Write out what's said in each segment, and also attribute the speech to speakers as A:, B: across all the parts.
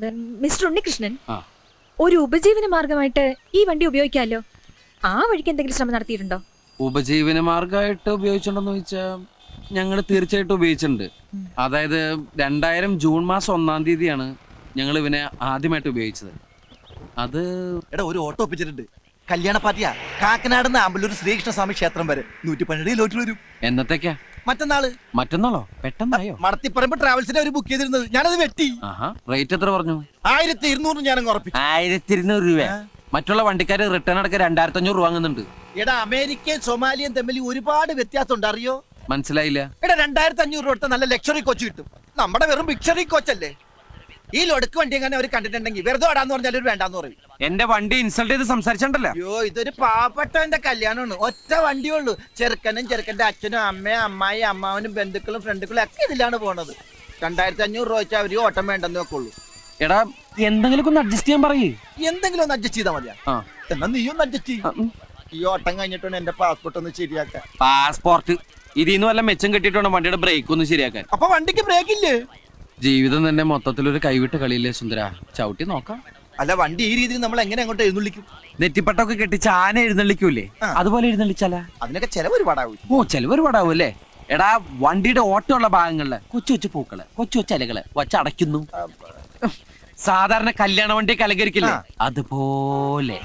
A: Mister Unnikrishnan, ഒരു ഉപജീവന മാർഗമായിട്ട് ഈ വണ്ടി ഉപയോഗിക്കാമല്ലോ. ആ വഴിക്ക് എന്തെങ്കിലും ശ്രമം നടത്തിയിട്ടുണ്ടോ?
B: ഉപജീവന മാർഗമായിട്ട് ഉപയോഗിച്ചിട്ടുണ്ടോന്ന് ചോദിച്ചാൽ ഞങ്ങൾ തീർച്ചയായിട്ടും ഉപയോഗിച്ചിട്ടുണ്ട്. അതായത് 2000 ജൂൺ മാസം 1-ാം തീയതിയാണ് ഞങ്ങൾ ഇവനെ ആദ്യമായിട്ട് ഉപയോഗിച്ചത്. അത്
C: ഒരു ഓട്ടോ ഒപ്പിച്ചിട്ടുണ്ട്. കല്യാണ പാർട്ടിയാ. കാക്കനാട് ആമ്പല്ലൂർ ശ്രീകൃഷ്ണസ്വാമി ക്ഷേത്രം വരെ 112 ലോറ്റിൽ വരും.
B: എന്നത്തേക്കാ?
C: മറ്റന്നാളോ?
B: പെട്ടെന്നായോ?
C: മടത്തിപ്പറമ്പ് ട്രാവൽസിനെ ഒരു ബുക്ക് ചെയ്തിരുന്നത്, ഞാനത് വെട്ടി.
B: റേറ്റ് എത്ര പറഞ്ഞു?
C: 1200 ഞാനങ്ങ് ഉറപ്പിച്ചു.
B: 1200 രൂപ. മറ്റുള്ള വണ്ടിക്കാര് റിട്ടേൺ അടക്കം 2500 രൂപ വാങ്ങുന്നുണ്ട്.
C: എടാ, അമേരിക്കയും സൊമാലിയും തമ്മിൽ ഒരുപാട് വ്യത്യാസം ഉണ്ട്, അറിയോ?
B: മനസ്സിലായില്ല.
C: എടാ, 2500 രൂപ നല്ല ലക്ഷറി കോച്ച് കിട്ടും. നമ്മുടെ വെറും ബിക്ഷറി കോച്ചല്ലേ. ഈ ലൊടുക്ക് വണ്ടി എങ്ങനെ അവർ കണ്ടിട്ടുണ്ടെങ്കിൽ വെറുതെ ഓടാന്ന് പറഞ്ഞാൽ ഒരു വേണ്ടാന്ന് പറയും.
B: എന്റെ വണ്ടി ഇൻസൾട്ട് ചെയ്ത് സംസാരിച്ചിട്ടുണ്ടല്ലോ.
C: അയ്യോ, ഇതൊരു പാവപ്പെട്ടവന്റെ കല്യാണമാണ്. ഒറ്റ വണ്ടിയേ ഉള്ളൂ. ചെറുക്കനും ചെറുക്കന്റെ അച്ഛനും അമ്മയും അമ്മായി അമ്മാവനും ബന്ധുക്കളും ഫ്രണ്ടുക്കളും ഒക്കെ ഇതിലാണ് പോണത്. 2500 രൂപ വെച്ചാൽ അവര് ഓട്ടം വേണ്ടെന്ന് വെക്കുള്ളൂ.
B: എടാ, എന്തെങ്കിലും ഒന്ന് അഡ്ജസ്റ്റ് ചെയ്യാൻ പറയേ.
C: എന്തെങ്കിലും ഒന്ന് അഡ്ജസ്റ്റ് ചെയ്താൽ മതിയാ. എന്നാ നീ ഒന്ന് അഡ്ജസ്റ്റ് ചെയ്യും. ഈ ഓട്ടം കഴിഞ്ഞിട്ടാണ് എന്റെ പാസ്പോർട്ട് ഒന്ന് ശരിയാക്കാൻ.
B: പാസ്പോർട്ട് ഇതിന്ന് വല്ല മെച്ചം കെട്ടിട്ടോ വണ്ടിയുടെ ബ്രേക്ക് ഒന്ന് ശരിയാക്കാൻ.
C: അപ്പൊ വണ്ടിക്ക് ബ്രേക്ക് ഇല്ലേ?
B: ജീവിതം തന്നെ മൊത്തത്തിലൊരു കൈവിട്ട കളിയില്ലേ സുന്ദര. ചവിട്ടി നോക്കാം.
C: അല്ല, വണ്ടി ഈ രീതിയിൽ നമ്മൾ എങ്ങനെ അങ്ങോട്ട് എഴുന്നള്ളിക്കും?
B: നെറ്റിപ്പട്ടൊക്കെ കെട്ടിച്ച് ആന എഴുന്നള്ളിക്കൂലേ, അതുപോലെ എഴുന്നള്ളിച്ചാല.
C: അതിനൊക്കെ ചെലവ് ഒരുപാടാവും.
B: ചെലവ് ഒരുപാടാവും അല്ലേ? എടാ, വണ്ടിയുടെ ഓട്ടമുള്ള ഭാഗങ്ങളില് കൊച്ചു കൊച്ചു പൂക്കള്, കൊച്ചു കൊച്ചു ഇലകള് വച്ചടയ്ക്കുന്നു. സാധാരണ കല്യാണ വണ്ടി അലങ്കരിക്കില്ലേ, അതുപോലെ.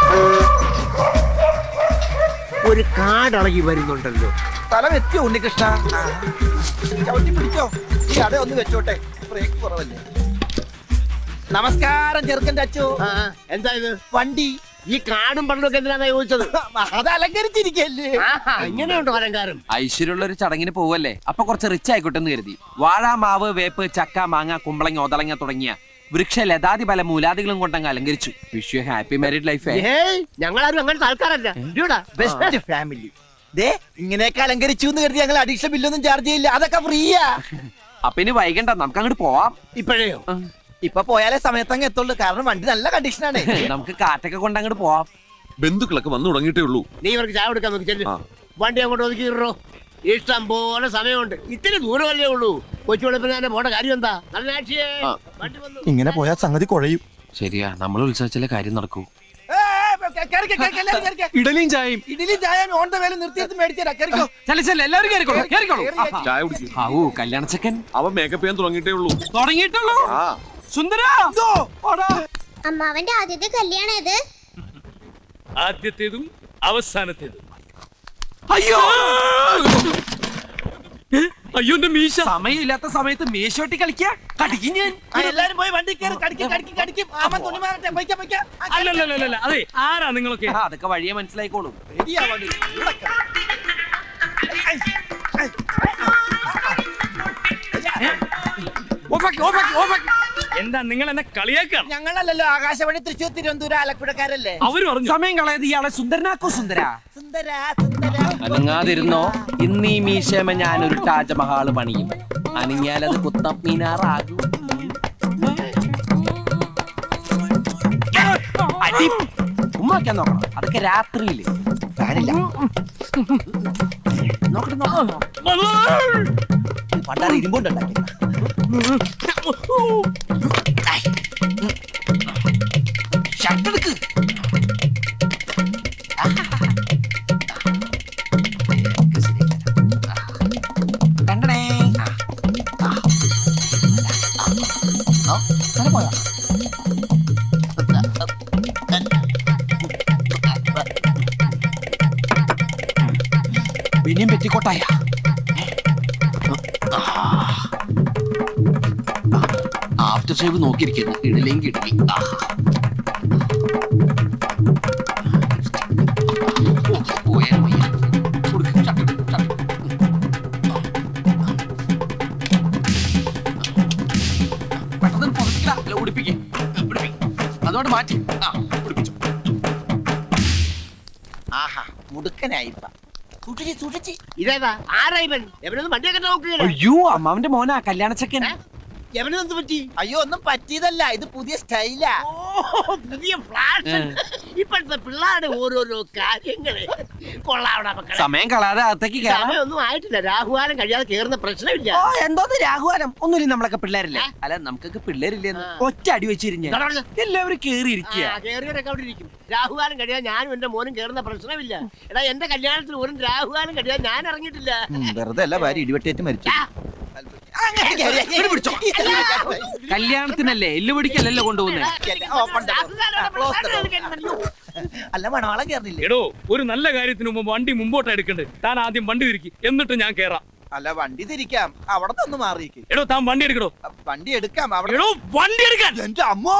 D: ഒരു കാടളകി വരുന്നുണ്ടല്ലോ.
C: സ്ഥലം എത്തിയോ ഉണ്ണികൃഷ്ണ? ചവിട്ടി പിടിച്ചോ. ഈ അട ഒന്ന് വെച്ചോട്ടെ, ബ്രേക്ക് കുറവല്ലേ. നമസ്കാരം ചെറുക്കന്റെ അച്ഛോ.
D: എന്താ ഇത്?
C: വണ്ടി.
D: ഈ കാടും പണ്ടൊക്കെ എന്തിനാ ചോദിച്ചത്?
C: അത് അലങ്കരിച്ചിരിക്കല്ലേ.
D: ഇങ്ങനെയുണ്ടോ അലങ്കാരം?
B: ഐശ്വര്യമുള്ള ഒരു ചടങ്ങിന് പോവല്ലേ, അപ്പൊ കുറച്ച് റിച്ച് ആയിക്കോട്ടെ എന്ന് കരുതി. വാഴ, മാവ്, വേപ്പ്, ചക്ക, മാങ്ങ, കുമ്പളങ്ങ, ഒതളങ്ങ തുടങ്ങിയ വൃക്ഷ ലതാതി പല മൂലാദികളും കൊണ്ടങ്ങ് അലങ്കരിച്ചു. Wish you happy married life.
D: ഞങ്ങളാരും അങ്ങനത്തെ ആൾക്കാരല്ല.
C: Best family. ഇങ്ങനെയൊക്കെ അലങ്കരിച്ചു എന്ന് കരുതി ഞങ്ങൾ അഡീഷണൽ ബില്ലൊന്നും ചാർജ് ചെയ്യില്ല. അതൊക്കെ ഫ്രീയാ.
B: അപ്പൊ ഇനി വൈകണ്ട, നമുക്ക് അങ്ങോട്ട് പോവാം.
D: ഇപ്പോഴേയോ?
C: ഇപ്പൊ പോയാലേ സമയത്തങ്ങ് എത്തുള്ളൂ. കാരണം വണ്ടി നല്ല കണ്ടീഷനാണ്.
B: നമുക്ക് കാറ്റൊക്കെ കൊണ്ട് അങ്ങോട്ട് പോവാം.
E: ബന്ധുക്കളൊക്കെ വന്നു തുടങ്ങിയിട്ടേ ഉള്ളൂ.
D: നീ ഇവർക്ക് ചായ കൊടുക്കാൻ നോക്കി ചെല്ലു. വണ്ടി അങ്ങോട്ട് ഒതുക്കിയിട്ടോ. ഇഷ്ടം പോലെ സമയമുണ്ട്. ഇത്തിരി ദൂരമല്ലേ ഉള്ളൂ. കൊച്ചു വെളുപ്പിനെ പോണ കാര്യം എന്താ?
C: ഇങ്ങനെ പോയാൽ സംഗതി കുഴയും.
B: ശരിയാ, നമ്മൾ ഉത്സവിച്ചാലേ കാര്യം നടക്കൂ.
E: ഇഡലിയും ചായയും.
C: ഇഡലിയും ചായയും ഓൺ ദ വേല നിർത്തിയിട്ട് മേടിച്ചാ.
E: ചായ കുടിക്കും.
B: കല്യാണച്ചക്കൻ
E: അവൻ മേക്കപ്പ് ചെയ്യാൻ
B: തുടങ്ങിയിട്ടുള്ളൂ. സുന്ദര,
F: അമ്മാവന്റെ ആദ്യത്തെ കല്യാണം ഇത്.
G: ആദ്യത്തേതും അവസാനത്തേതും.
B: അയ്യോ
G: അയ്യോ, എന്റെ മീശ.
B: സമയമില്ലാത്ത സമയത്ത് മേശോട്ടി കളിക്കാ. കടിക്കും ഞാൻ.
C: എല്ലാരും പോയി വണ്ടി കയറി കടിക്കും.
G: അല്ലല്ല, അതെ, ആരാ നിങ്ങളൊക്കെ?
B: അതൊക്കെ വഴിയെ മനസ്സിലായിക്കോളും.
G: എന്താ നിങ്ങൾ എന്നെ കളിയാക്കാണ്?
C: ഞങ്ങളല്ലല്ലോ, ആകാശവാണി തൃശ്ശൂർ തിരുവനന്തപുരം ആലപ്പുഴക്കാരല്ലേ.
G: അവര് പറഞ്ഞു
B: സമയം കളയത് ഇയാളെ സുന്ദരനാക്കോ. സുന്ദര
C: സുന്ദര
B: അനങ്ങാതിരുന്നോ. ഇന്ന് ഈ മീശമ ഞാനൊരു താജ്മഹാള് പണിയും. അനങ്ങിയാലത് കുത്തബ് മീനാറാകും. ഉമ്മാക്കാൻ നോക്കണം. അതൊക്കെ രാത്രിയില്.
C: ഫാനില്ല. പണ്ടാറ് ഇരുമ്പുണ്ടാക്കി.
B: ഷർട്ടെടുക്ക്. പിന്നെയും പെറ്റിക്കോട്ടായ. After shave നോക്കിയിരിക്കുന്നു. ഇടലേം കിടലി. അതോട് മാറ്റി പിടിപ്പിച്ചു.
C: ആഹാ, മുടുക്കനായിപ്പ. സൂക്ഷിച്ച്.
D: ഇതേതാ? ആരാ ഇവൻ? എവനൊന്നും വണ്ടിയൊക്കെ നോക്കുകയാണ്.
B: അയ്യോ, അമ്മാവന്റെ മോനാ കല്യാണച്ചക്കൻ.
D: എവനെന്ത് പറ്റി?
C: അയ്യോ ഒന്നും പറ്റിയതല്ല, ഇത് പുതിയ സ്റ്റൈലാ.
D: ഓ, പുതിയ ഫ്ലാഷ്. ഇപ്പോഴത്തെ പിള്ളേരുടെ ഓരോരോ കാര്യങ്ങള് കൊള്ളാവണ മക്കളെ.
B: സമയം കളാതെ അകത്തേക്ക് കയറാം.
D: സമയമൊന്നും ആയിട്ടില്ല, രാഹുകാലം കഴിയാതെ കേറുന്ന പ്രശ്നമില്ല.
F: എന്തോന്ന് രാഘവാനം ഒന്നുമില്ല, നമ്മളൊക്കെ പിള്ളേരല്ലേ. അല്ല നമുക്കൊക്കെ പിള്ളേരില്ലെന്ന് ഒറ്റ അടി വെച്ചിരിഞ്ഞ എല്ലാവരും കേറിയിരിക്കുക.
D: കേറിയവരൊക്കെ അവിടെ ഇരിക്കും. രാഹുകാലം കഴിയാൻ ഞാനും എന്റെ മോനും കേറുന്ന പ്രശ്നമില്ല. എടാ എന്റെ കല്യാണത്തിന് ഒരു രാഹുകാലം കഴിയാൻ ഞാൻ ഇറങ്ങിയിട്ടില്ല.
C: വെറുതെ അല്ല, ഭാര്യ ഇടിവെട്ടേറ്റ് മരിച്ചു.
B: കല്യാണത്തിനല്ലേ എല്ലു പിടിക്കല്ലല്ലോ കൊണ്ടുപോകുന്നേ.
C: അല്ല മണവാളം കേറില്ലേ?
G: എടോ, ഒരു നല്ല കാര്യത്തിന് മുമ്പ് വണ്ടി മുമ്പോട്ട് എടുക്കണ്ടേ? താൻ ആദ്യം വണ്ടി തിരിക്കി, എന്നിട്ട് ഞാൻ കേറാം.
C: അല്ല വണ്ടി തിരിക്കാം, അവിടെ നിന്ന് മാറിയേക്ക്.
G: എടോ, താൻ വണ്ടി എടുക്കടോ.
C: വണ്ടി എടുക്കാം അവിടെ.
G: എടോ, വണ്ടി എടുക്കാൻ.
C: എന്റെ അമ്മോ,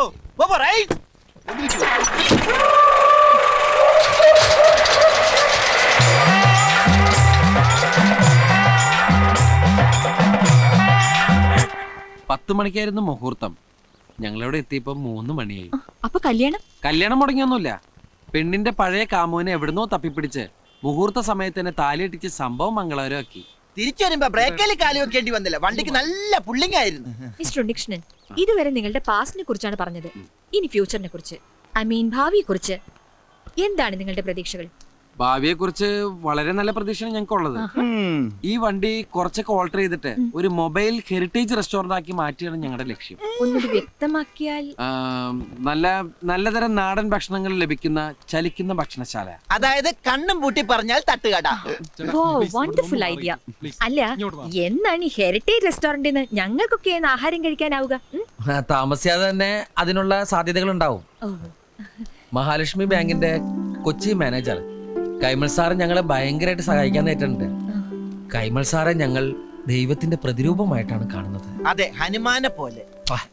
B: പത്ത് മണിക്കായിരുന്നു മുഹൂർത്തം. ഞങ്ങളിവിടെ എത്തിയപ്പോ 3 മണിയായി.
A: അപ്പൊ കല്യാണം
B: മുടങ്ങിയൊന്നുമില്ല. പെണ്ണിന്റെ പഴയ കാമുവിനെ എവിടുന്നോ തപ്പിപ്പിടിച്ച് മുഹൂർത്ത സമയത്തിന് താലിയിട്ടിച്ച് സംഭവം മംഗളകരമാക്കി.
C: തിരിച്ചു വരുമ്പോ ബ്രേക്കിൽ കാലി വെക്കേണ്ടി വന്നില്ല. വണ്ടിക്ക് നല്ല പുള്ളിങ് ആയിരുന്നു.
A: മിസ്റ്റർ ഉണ്ണികൃഷ്ണൻ, ഇതുവരെ നിങ്ങളുടെ പാസ്റ്റിനെ കുറിച്ചാണ് പറഞ്ഞത്. ഇനി ഫ്യൂച്ചറിനെ കുറിച്ച്, ഐ മീൻ ഭാവിയെ കുറിച്ച് എന്താണ് നിങ്ങളുടെ പ്രതീക്ഷകൾ?
B: ഭാവിയെ കുറിച്ച് വളരെ നല്ല പ്രതീക്ഷയാണ് ഞങ്ങൾക്കുള്ളത്. ഈ വണ്ടി കുറച്ചൊക്കെ ഓൾട്ടർ ചെയ്തിട്ട് ഒരു മൊബൈൽ ഹെറിറ്റേജ് റെസ്റ്റോറന്റ് ആക്കി മാറ്റിയാണ് ഞങ്ങളുടെ ലക്ഷ്യം.
A: ഒന്നുകൂടി വ്യക്തമാക്കിയാൽ?
B: നല്ലതരം നാടൻ ഭക്ഷണങ്ങൾ ലഭിക്കുന്ന ചലിക്കുന്ന ഭക്ഷണശാല.
C: അതായത് കണ്ണും പൂട്ടി പറഞ്ഞാൽ തട്ടുകട.
A: Wonderful idea. അല്ല, എന്നാണ് ഈ ഹെറിറ്റേജ് റെസ്റ്റോറന്റിന് ഞങ്ങൾക്കൊക്കെ ആഹാരം കഴിക്കാനാവുക?
H: താമസിയാതെ തന്നെ അതിനുള്ള സാധ്യതകൾ ഉണ്ടാവും. മഹാലക്ഷ്മി ബാങ്കിന്റെ കൊച്ചി മാനേജർ കൈമൾ സാറ് ഞങ്ങളെ ഭയങ്കരമായിട്ട് സഹായിക്കാൻ നേരിട്ടുണ്ട്. കൈമൾ സാറെ ഞങ്ങൾ ദൈവത്തിന്റെ പ്രതിരൂപമായിട്ടാണ് കാണുന്നത്.
C: അതെ, ഹനുമാനെ പോലെ.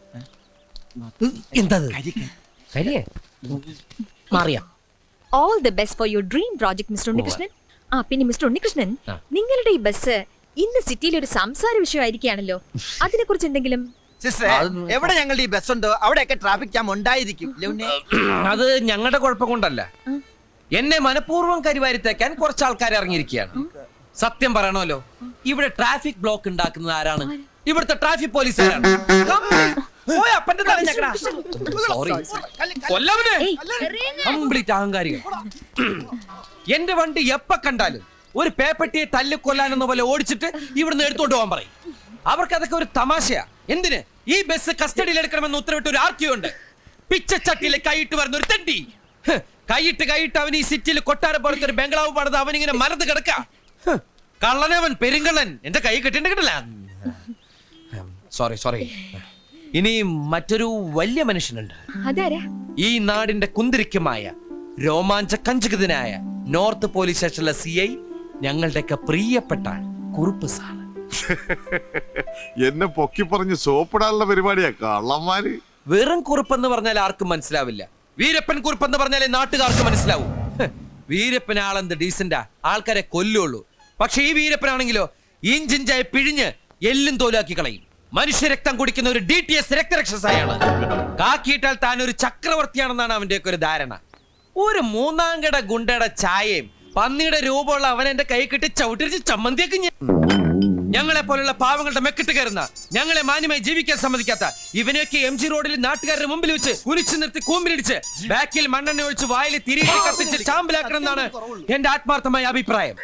H: എന്താ കരിയേ മാറിയാ?
A: All the best for your dream project mister Unnikrishnan. പിന്നെ മിസ്റ്റർ ഉണ്ണികൃഷ്ണൻ, നിങ്ങളുടെ ഈ ബസ് ഇന്ന് സിറ്റിയിൽ ഒരു സംസാര വിഷയമായിരിക്കുകയാണല്ലോ. അതിനെ കുറിച്ച് എന്തെങ്കിലും?
C: സിസ്റ്ററെ, എവിടെ ഞങ്ങളുടെ ഈ ബസ് ഉണ്ടോ അവിടെയൊക്കെ ട്രാഫിക് ജാം ഉണ്ടായിരിക്കും.
H: അത് ഞങ്ങളുടെ കുഴപ്പം കൊണ്ടല്ല. എന്നെ മനഃപൂർവ്വം കരിവാരിത്തേക്കാൻ കുറച്ച് ആൾക്കാർ ഇറങ്ങിയിരിക്കുകയാണ്. സത്യം പറയണമല്ലോ, ഇവിടെ ട്രാഫിക് ബ്ലോക്ക് ഉണ്ടാക്കുന്നത് ആരാണ്? ഇവിടുത്തെ ട്രാഫിക് പോലീസുകാരാണ്. കംപ്ലീറ്റ് അഹങ്കാരികൾ. എന്റെ വണ്ടി എപ്പ കണ്ടാലും ഒരു പേപ്പട്ടിയെ തല്ലിക്കൊല്ലാനെന്ന പോലെ ഓടിച്ചിട്ട് ഇവിടുന്ന് എടുത്തോണ്ട് പോകാൻ പറയും. അവർക്ക് അതൊക്കെ ഒരു തമാശയാ. എന്തിന് ഈ ബസ് കസ്റ്റഡിയിൽ എടുക്കണമെന്ന് ഉത്തരവിട്ട് ഒരു ആർക്കിയോ ഉണ്ട്. പിച്ചച്ചട്ടിയിലെ കൈയിട്ട് വരുന്ന ഒരു തെണ്ടി. കൈയിട്ട് അവൻ ഈ സിറ്റിയിൽ കൊട്ടാരം പോലത്തെ ഒരു ബംഗ്ലാവ് പണിത് അവനിങ്ങനെ മരത്ത് കിടക്ക. കള്ളനവൻ, പെരുങ്കള്ളൻ. എന്റെ കൈ കിട്ടില്ല. സോറി. ഇനി മറ്റൊരു വലിയ മനുഷ്യനുണ്ട്. ഈ നാടിന്റെ കുന്തിരിക്കമായ രോമാഞ്ചകഞ്ചുകിതനായ നോർത്ത് പോലീസ് സ്റ്റേഷനിലെ CI, ഞങ്ങളുടെയൊക്കെ പ്രിയപ്പെട്ട കുറുപ്പ് സാർ.
E: എന്നെ പൊക്കി പറഞ്ഞ് സോപ്പിടാനുള്ള പരിപാടിയാ കള്ളന്മാര്.
H: വെറും കുറുപ്പെന്ന് പറഞ്ഞാൽ ആർക്കും മനസ്സിലാവില്ല. വീരപ്പൻ കുറുപ്പെന്ന് പറഞ്ഞാലേ നാട്ടുകാർക്ക് മനസ്സിലാവൂ. വീരപ്പൻ ആളെന്ത് ഡീസന്റാ, ആൾക്കാരെ കൊല്ലുള്ളൂ. പക്ഷെ ഈ വീരപ്പനാണെങ്കിലോ ഇഞ്ചിഞ്ചായി പിഴിഞ്ഞ് എല്ലും തോലാക്കി കളയും. മനുഷ്യരക്തം കുടിക്കുന്ന ഒരു DTS രക്തരക്ഷസായാണ്. കാക്കിയിട്ടാൽ താൻ ഒരു ചക്രവർത്തിയാണെന്നാണ് അവന്റെയൊക്കെ ഒരു ധാരണ. ഒരു 3ാം കട ഗുണ്ടയുടെ ചായയും പന്നിയുടെ രൂപമുള്ള അവൻ എന്റെ കൈ കിട്ടി ചവിട്ടിരിച്ച് ചമ്മന്തിയൊക്കെ. ഞങ്ങളെ പോലുള്ള പാവങ്ങളുടെ മെക്കിട്ട് കയറുന്ന, ഞങ്ങളെ മാന്യമായി ജീവിക്കാൻ സമ്മതിക്കാത്ത ഇവനെയൊക്കെ MG റോഡിൽ നാട്ടുകാരുടെ മുമ്പിൽ വെച്ച് കുനിച്ചു നിർത്തി കൂമ്പിലിടിച്ച് ബാക്കിൽ മണ്ണെണ്ണ ഒഴിച്ച് വായിൽ തിരികെ കത്തിച്ച് ചാമ്പലാക്കണം എന്നാണ് എന്റെ ആത്മാർത്ഥമായ അഭിപ്രായം.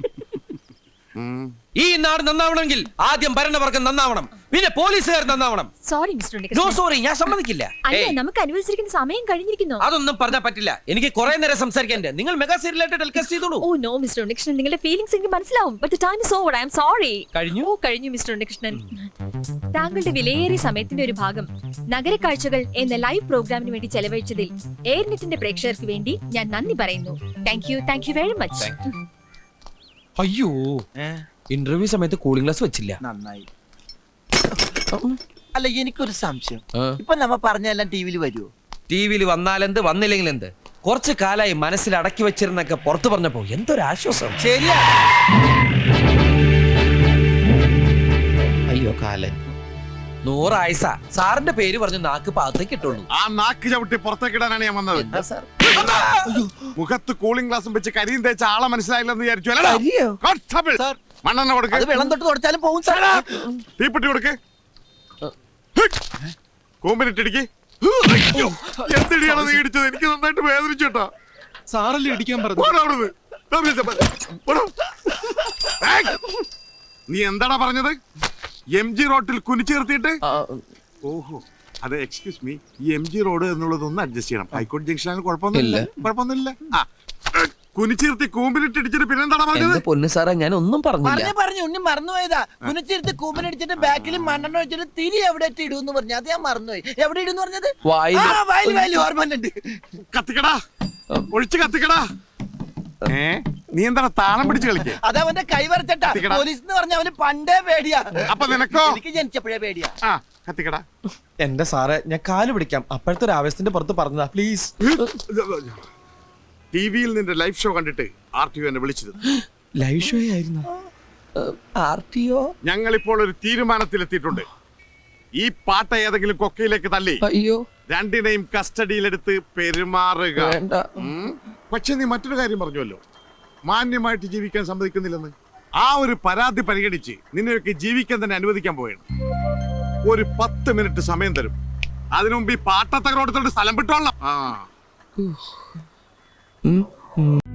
H: ഈ നാട് നന്നാവണമെങ്കിൽ ആദ്യം ഭരണവർഗം നന്നാവണം, പിന്നെ പോലീസുകാർ നന്നാവണം.
A: Sorry mister
H: no
A: Unnikrishnan.
H: Sorry, ഞാൻ സമ്മതിക്കില്ല.
A: അല്ല, നമുക്ക് അനുവദിച്ചിരിക്കുന്ന സമയം കഴിഞ്ഞിരിക്കുന്നു.
H: അതൊന്നും പറഞ്ഞാൽ പറ്റില്ല. എനിക്ക് കുറെ നേരം സംസാരിക്കാൻ. നിങ്ങൾ മെഗാ സീരിയലായിട്ട് ടെലികാസ്റ്റ് ചെയ്തോളൂ.
A: ഓ നോ മിസ്റ്റർ ഉണ്ണികൃഷ്ണൻ, നിങ്ങളുടെ ഫീലിംഗ്സ് എനിക്ക് മനസ്സിലാവും. But the time is over. I am sorry. കഴിഞ്ഞു മിസ്റ്റർ ഉണ്ണികൃഷ്ണൻ. താങ്കളുടെ വിലയേറിയ സമയത്തിന്റെ ഒരു ഭാഗം നഗരക്കാഴ്ചകൾ എന്ന ലൈവ് പ്രോഗ്രാമിന് വേണ്ടി ചെലവഴിച്ചതിൽ എയർനെറ്റിന്റെ പ്രേക്ഷകർക്ക് വേണ്ടി ഞാൻ നന്ദി പറയുന്നു. Thank you very much.
H: അയ്യോ, ഇന്റർവ്യൂ സമയത്ത് കൂളിംഗ് ഗ്ലാസ് വെച്ചില്ല.
C: നന്നായി. അല്ല, എനിക്കൊരു സംശയം. ഇപ്പൊ നമ്മ പറഞ്ഞെല്ലാം ടിവിയിൽ വരുമോ?
H: ടിവിയിൽ വന്നാലെന്ത്, വന്നില്ലെങ്കിൽ എന്ത്? കുറച്ചു കാലായി മനസ്സിൽ അടക്കി വെച്ചിരുന്നൊക്കെ പുറത്തു പറഞ്ഞപ്പോ എന്തൊരു ആശ്വാസം.
C: ശരിയാ.
H: അയ്യോ കാലൻ. 100 ആയുസ. സാറിന്റെ പേര് പറഞ്ഞ് നാക്ക് പാകത്തേക്ക് ഇട്ടുള്ളൂ.
E: ആ നാക്ക് ചവിട്ടി പുറത്തേക്കിടാനാണ് ഞാൻ വന്നത്.
H: എന്താ സാർ?
E: മുഖത്ത് കൂളിംഗ് ഗ്ലാസും വെച്ച് കരിയും തേച്ച ആളെ മനസ്സിലായില്ലെന്ന് വിചാരിച്ചു. മണ്ണെണ്ണ കൊടുക്ക്.
C: അത് വെള്ളം തൊട്ട് തുടച്ചാലും പോകും സാർ.
E: തീപ്പെട്ടി കൊടുക്ക്. കൂമ്പിനിട്ടിടിക്ക്. അയ്യോ, എന്തിടിയാണ് നീ ഇടിച്ചത്? എനിക്ക് നന്നായിട്ട് വേദനിച്ചു കേട്ടോ.
F: സാറല്ലേ ഇടിക്കാൻ പറഞ്ഞു.
E: പോടാ അവിടുന്ന്. പോടാ. ഏയ്! നീ എന്താടാ പറഞ്ഞത്? MG റോഡിൽ കുനിച്ചേർത്തിട്ട്? ഓഹോ, അത് എക്സ്ക്യൂസ് മീ, ഈ MG റോഡ് എന്നുള്ളത് ഒന്ന് അഡ്ജസ്റ്റ് ചെയ്യണം. ഹൈക്കോടതി ജംഗ്ഷനാണ്, കുഴപ്പമൊന്നുമില്ല. ആ, കുനിച്ചീർത്തി കൂമ്പിലിട്ടിടിച്ചിട്ട് പിന്നെന്താടാ പറഞ്ഞത്?
H: എന്റെ പൊന്നു സാറേ ഞാൻ ഒന്നും പറഞ്ഞില്ല.
C: പറഞ്ഞു ഉണ്ണി മറന്നുപോയതാ. കുനിച്ചിരുത്ത് കൂമ്പനടിച്ചിട്ട് ബാക്കിൽ മണ്ണെണ്ണ വെച്ചിട്ട് തിരി എവിടെ ഇടുന്നു പറഞ്ഞു. അത് ഞാൻ മറന്നുപോയി. എവിടെ ഇടുന്നു പറഞ്ഞത്? വയലിൽ ഓർമ്മയുണ്ട്.
E: കത്തിക്കടാ, ഒഴിച്ച് കത്തിക്കടാ. നീ എന്താണ് താളം പിടിച്ച് കളിക്കേ?
C: അതവന്റെ കൈ വരച്ചട്ടാ. പോലീസ് എന്ന് പറഞ്ഞ അവന് പണ്ടേ പേടിയാ.
E: അപ്പൊ നിനക്കോ?
C: എനിക്ക് ജനിച്ചപ്പോഴേ പേടിയാ.
E: ആ, കത്തിക്കടാ.
F: എന്റെ സാറേ ഞാൻ കാല് പിടിക്കാം. അപ്പോഴത്തെ ഒരു ആവേശത്തിന്റെ പുറത്ത് പറഞ്ഞതാ, പ്ലീസ്.
E: ടിവിയിൽ നിന്റെ ലൈവ് ഷോ കണ്ടിട്ട് RTO എന്നെ വിളിച്ചിരുന്നു.
F: ലൈവ് ഷോ ആയിരുന്നു.
H: RTO?
E: ഞങ്ങൾ ഇപ്പോൾ ഒരു തീരുമാനത്തിലെത്തിയിട്ടുണ്ട്. ഈ പാട്ട ഏതെങ്കിലും കൊക്കയിലേക്ക് തള്ളി
H: അയ്യോ
E: രണ്ടിനെയും കസ്റ്റഡിയിലെടുത്ത് പെരുമാറുക.
H: വേണ്ട.
E: പക്ഷെ നീ മറ്റൊരു കാര്യം പറഞ്ഞുവല്ലോ, മാന്യമായിട്ട് ജീവിക്കാൻ സമ്മതിക്കുന്നില്ലെന്ന്. ആ ഒരു പരാതി പരിഗണിച്ച് നിന്നെയൊക്കെ ജീവിക്കാൻ തന്നെ അനുവദിക്കാൻ പോവുകയാണ്. ഒരു 10 മിനിറ്റ് സമയം തരും. അതിനു മുമ്പ് ഈ പാട്ടത്തകരോടത്തോട് സ്ഥലം വിട്ടോളാം. ആ